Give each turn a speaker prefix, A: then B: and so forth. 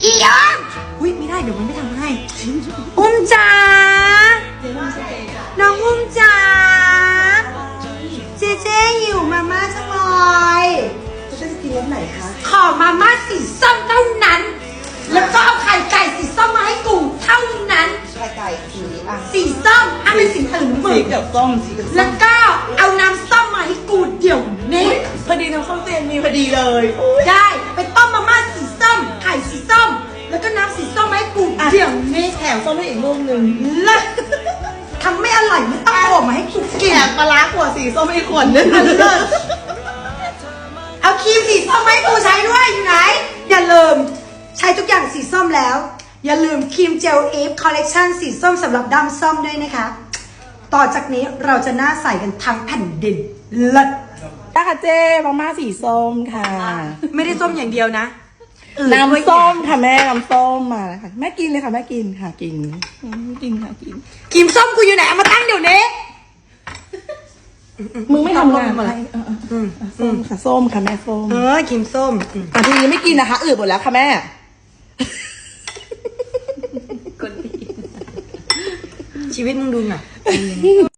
A: อียอนอุ้ยไม่ได้เดี๋ยวมันไม่ทำให้อุ้มจ๋าน้องอุ้มจ๋าเจเจหิวมาม่าจังเลยจะกินรสไหนคะขอมาม่าสีส้มเท่านั้นแล้วก็เอาไข่ไก่สีส้มมาให้กูเท่านั้น
B: ไข่ไก่สีอ่ะ
A: สีส้มถ้าเป็นสีอื่นมึ
B: สี
A: ง
B: เขียวส้มสีเขียวส้ม
A: แล้วก็เอาน้ำส้มมาให้กูเดี๋ยวนี้
B: พอดีน้ำส้มเตียนมีพอดีเลย
A: ได้ไปต้มมาม่าสีส้มไข่สีส้มแล้วก็น้ำสีส้มมาให้กูเดี๋ยวนี้
B: แถมส้มให้อีกลูกหนึ่ง
A: เลิศทำไม่อร่อยไม่ต้องโผล่มาให้กูกิน
B: แถมปลาร้าขวดสีส้มให้อีกขวดนึง
A: เลิศเอาครีมสีส้มมาให้กูใช้ด้วยอยู่ไหนอย่าลืมใช้ทุกอย่างสีส้มแล้วอย่าลืมครีมเจลอีฟคอลเลกชันสีส้มสำหรับดำส้มด้วยนะคะต่อจากนี้เราจะหน้าใสกันทั้งแผ่นดินเลิศ
B: ได้ค่ะเจ๊มาม่าสีส้มค่ะ
A: ไม่ได้ส้มอย่างเดียวนะ
B: น้ำส้มค่ะแม่น้ำส้มมาแล้วค่ะแม่กินเลยค่ะแม่กินค่ะกินกินค่ะกิน
A: ครีมส้มกูอยู่ไหนเอามาตั้งเดี๋ยวนี้
B: มึงไม่ทำงานอะไรส้มค่ะส้มค่ะแม่ส้ม
A: ครีมส้ม
B: ทีนี้ไม่กินนะคะอืดหมดแล้วค่ะแม่
A: ชีวิตมึงดูหน่อย